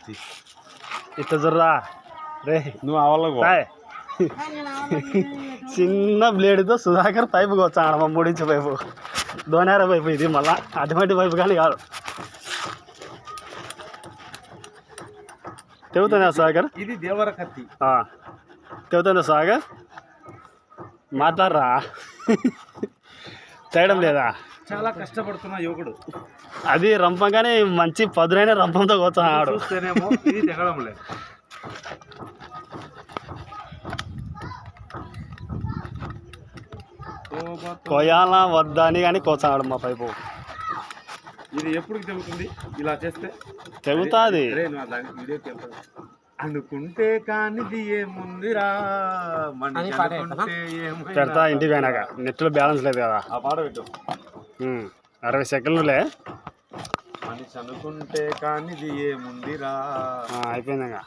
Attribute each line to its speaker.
Speaker 1: ఇట్లా జర్రా రే
Speaker 2: నువ్వు అవలకు
Speaker 1: తాయ్ చిన్న బ్లేడ్తో సుధాకర్ పైపు వచ్చాడు మా 3 ఇంచు పైపు దోనేర పైపు ఇది మళ్ళా అటువంటి పైపు కానీ కాదు తెగుతుందా సుధాకర్
Speaker 2: ఇది దేవర కత్తి
Speaker 1: తెగుతుందా సుధాకర్ మాట్లాడరా చేయడం లేదా
Speaker 2: చాలా కష్టపడుతున్న యువకుడు
Speaker 1: అది రంపంగానే మంచి పదునైన రంపంతో కూర్చున్నాడు
Speaker 2: చూస్తేనేమో ఇది తెగడం లేదు
Speaker 1: కొయ్యాల వద్దా అని కానీ కూర్చున్నాడు మా పైపు
Speaker 2: ఇది ఎప్పుడు తెగుతుంది ఇలా చేస్తే
Speaker 1: తెగుతుంది
Speaker 2: అనుకుంటే కానిది ఏముందిరా
Speaker 1: పెడతా ఇంటికి పోయినాక నెట్లో బ్యాలెన్స్ లేదు కదా
Speaker 2: ఆ పాట పెట్టు
Speaker 1: 60 సెకండ్లే
Speaker 2: మనిషి అనుకుంటే కానిది ఏముందిరా
Speaker 1: అయిపోయింది ఇంకా